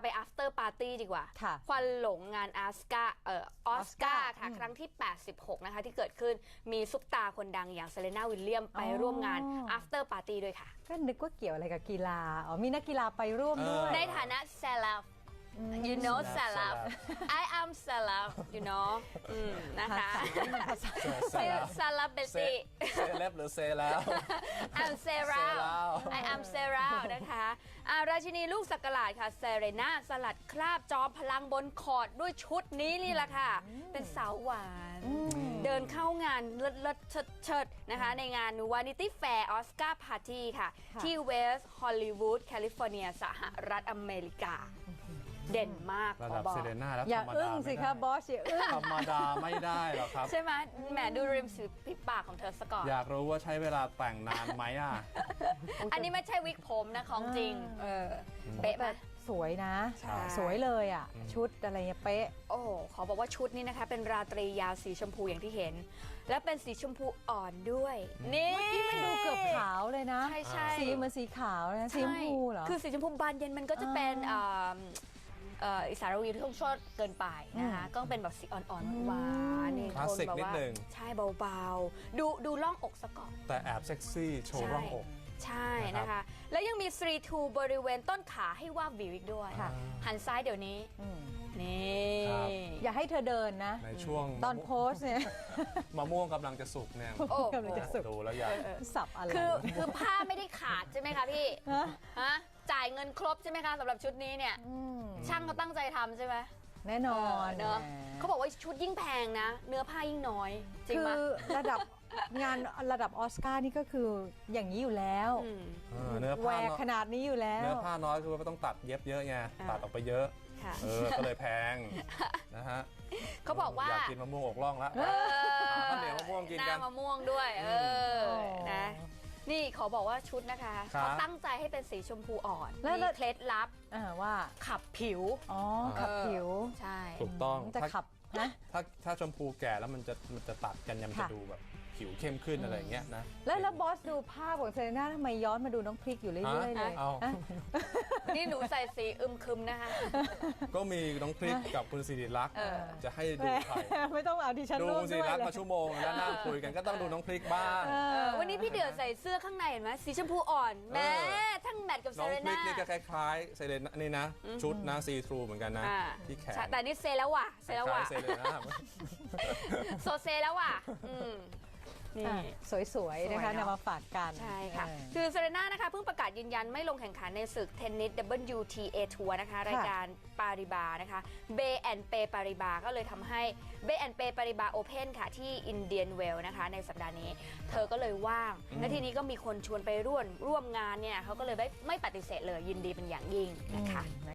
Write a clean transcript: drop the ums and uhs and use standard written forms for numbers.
ไป after party ดีกว่าค่ะควันหลงงานออสการ์ค่ะครั้งที่ 86 นะคะที่เกิดขึ้นมีซุปตาคนดังอย่างเซเลน่าวิลเลียมไปร่วมงาน after party ด้วยค่ะก็นึกว่าเกี่ยวอะไรกับกีฬามีนักกีฬาไปร่วมด้วยในฐานะ celeb you know celeb I am celeb you know นะคะ celebrity เซเลบหรือเซแล้ว I'm Sarah I am Sarah นะคะราชินีลูกสักหลาดค่ะเซเรน่าสลัดคราบจอมพลังบนคอร์ตด้วยชุดนี้นี่แหละค่ะ เป็นสาวหวานเดินเข้างานเลิศเชิดนะคะในงาน Vanity Fair Oscar Party ค่ะ ที่เวสต์ฮอลลีวูดแคลิฟอร์เนียสหรัฐอเมริกา เด่นมากระดับเซเลน่าแล้วอย่าธรรมอึ้ดางสิคะบอสอย่าอึ้งธรรมดาไม่ได้หรอกครับใช่ไหมแหมดูริมฝีปากของเธอซะก่อนอยากรู้ว่าใช้เวลาแต่งนานไหมอ่ะอันนี้ไม่ใช่วิกผมนะของจริงเป๊ะไหมสวยนะใช่สวยเลยอ่ะ ชุดอะไรเงี้ยเป๊ะโอ้ขอบอกว่าชุดนี้นะคะเป็นราตรียาวสีชมพูอย่างที่เห็น และเป็นสีชมพูอ่อนด้วยนี่มันดูเกือบขาวเลยนะใช่สีเหมือนสีขาวนะสีชมพูเหรอคือสีชมพูบานเย็นมันก็จะเป็นอิสระวีที่ต้องชดเกินไปนะคะก็เป็นแบบสีอ่อนๆหวานๆนี่คลาสสิกแบบนิดว่านึงใช่เบาๆดูร่องอกซะก่อนแต่แอบเซ็กซี่โชว์ร่องอกใช่นะคะ แล้วยังมี3-2บริเวณต้นขาให้วาบวิวอีกด้วยค่ะหันซ้ายเดี๋ยวนี้นี่ครับอย่าให้เธอเดินนะในช่วงตอนโพสเนี่ยมะม่วงกำลังจะสุกเนี่ยโอ้กำลังจะสุกดูแล้วอยากสับอะไรคือผ้าไม่ได้ขาดใช่ไหมคะพี่ฮะจ่ายเงินครบใช่ไหมคะสำหรับชุดนี้เนี่ย ช่างเขาตั้งใจทำใช่ไหมแน่นอนเนอะเขาบอกว่าชุดยิ่งแพงนะ เนื้อผ้ายิ่งน้อย จริงคืไหมอระดับงานระดับออสการ์นี่ก็คืออย่างนี้อยู่แล้วเนื้อแหวผ้ากขนาดนี้อยู่แล้วเนื้อผ้าน้อยคือว่าต้องตัดเย็บเยอะไงตัดออกไปเยอะค่ะก็เลยแพงนะฮะเขาบอกว่าอยากกินมะม่วงอกล่องแล้วข้าวเหนียวมะม่วงกินหกัน้าน มะม่วงด้วยนะนี่ขอบอกว่าชุดนะคะครับเขาตั้งใจให้เป็นสีชมพูอ่อนแล้วมีเคล็ดลับว่าขับผิวอ๋อขับผิวใช่ถูกต้องจะขับนะถ้าชมพูแก่แล้วมันจะตัดกันยังจะค่ะดูแบบผิวเข้มขึ้นอะไรอย่างเงี้ยนะแล้วบอสดูภาพของเซเลน่าทำไมย้อนมาดูน้องพริกอยู่เรื่อยๆเลยเอาฮะนี่หนูใส่สีอึมครึมนะคะก็มีน้องพริกกับคุณสิริลักษณ์จะให้ดูใครไม่ต้องเอาดิฉันดูร่วมคุณสิด้ริวยลักษเลณ์ยมาชั่วโมงแล้วนั่งคุยกันก็ต้องดูน้องพริกบ้างวันนี้พี่เดือใส่เสื้อข้างในเห็นไหมสีชมพูอ่อนแม้ทั้งแมทกับเซน้องเลพริน่ากนี่ก็คล้ายๆเซเลน่านี่นะ ชุดนะซีทรูเหมือนกันนะ ที่แขนใช่แต่นี่เซแล้วว่ะเซแล้วว่ะคล้ายๆเซเลน่าโซเซแล้วว่ะนี่สวยๆนะคะสวยเนอะนำมาฝากกันใช่ค่ะ คือเซเรน่านะคะเพิ่งประกาศยืนยันไม่ลงแข่งขันในศึกเทนนิส WTA ทัวร์นะคะรายการปาริบานะคะเบแอนเปปาริบาก็เลยทำให้เบแอนเปปาริบาโอเพนค่ะที่อินเดียนเวลนะคะในสัปดาห์นี้ เธอก็เลยว่าง และทีนี้ก็มีคนชวนไปร่วมงานเนี่ยเขาก็เลยไม่ปฏิเสธเลยยินดีเป็นอย่างยิ่งนะคะ